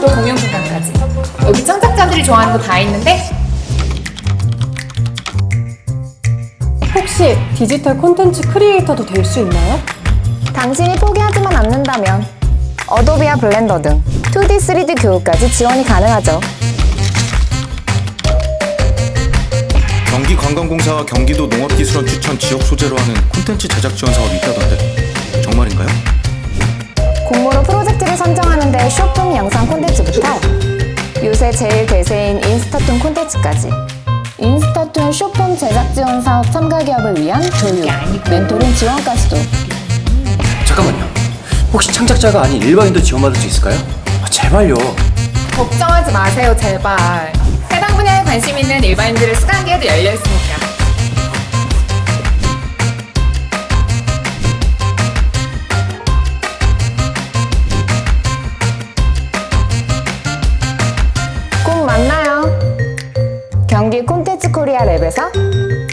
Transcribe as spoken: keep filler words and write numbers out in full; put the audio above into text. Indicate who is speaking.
Speaker 1: 또 공연 공간까지. 여기 창작자들이 좋아하는 거 다 있는데
Speaker 2: 혹시 디지털 콘텐츠 크리에이터도 될 수 있나요?
Speaker 3: 당신이 포기하지만 않는다면 어도비와 블렌더 등 투디, 쓰리디 교육까지 지원이 가능하죠.
Speaker 4: 경기관광공사와 경기도 농업기술원 추천 지역 소재로 하는 콘텐츠 제작 지원 사업이 있다던데 정말인가요?
Speaker 3: 공모로 프로젝트를 선정하는데 쇼폼 영상 콘텐츠부터 요새 제일 대세인 인스타툰 콘텐츠까지 인스타툰 쇼폼 제작 지원 사업 참가 기업을 위한 교육, 멘토링 지원까지도.
Speaker 5: 잠깐만요. 혹시 창작자가 아닌 일반인도 지원받을 수 있을까요? 아, 제발요.
Speaker 1: 걱정하지 마세요, 제발. 해당 분야에 관심 있는 일반인들의 수강기회도 열려 있으니까.
Speaker 3: 꼭 만나요. 경기 콘텐츠 코리아 랩에서